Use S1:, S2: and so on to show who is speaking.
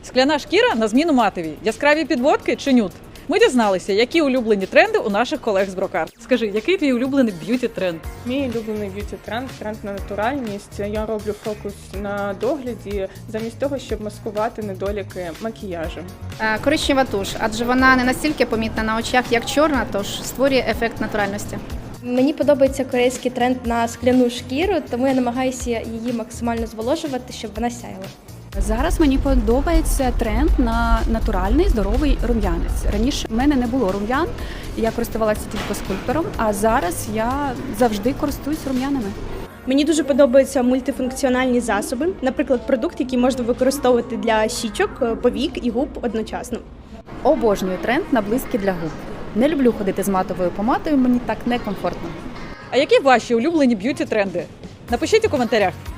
S1: Скляна шкіра на зміну матовій. Яскраві підводки чи нюд? Ми дізналися, які улюблені тренди у наших колег з Брокарт. Скажи, який твій улюблений б'юті-тренд?
S2: Мій улюблений б'юті-тренд – тренд на натуральність. Я роблю фокус на догляді замість того, щоб маскувати недоліки макіяжу.
S3: Коричнева туш, адже вона не настільки помітна на очах, як чорна, тож створює ефект натуральності.
S4: Мені подобається корейський тренд на скляну шкіру, тому я намагаюся її максимально зволожувати, щоб вона сяяла.
S5: Зараз мені подобається тренд на натуральний здоровий рум'янець. Раніше в мене не було рум'ян, я користувалася тільки скульптором, а зараз я завжди користуюсь рум'янами.
S6: Мені дуже подобаються мультифункціональні засоби, наприклад, продукт, який можна використовувати для щічок, повік і губ одночасно.
S5: Обожнюю тренд на блиски для губ. Не люблю ходити з матовою помадою, мені так некомфортно.
S1: А які ваші улюблені б'юті-тренди? Напишіть у коментарях.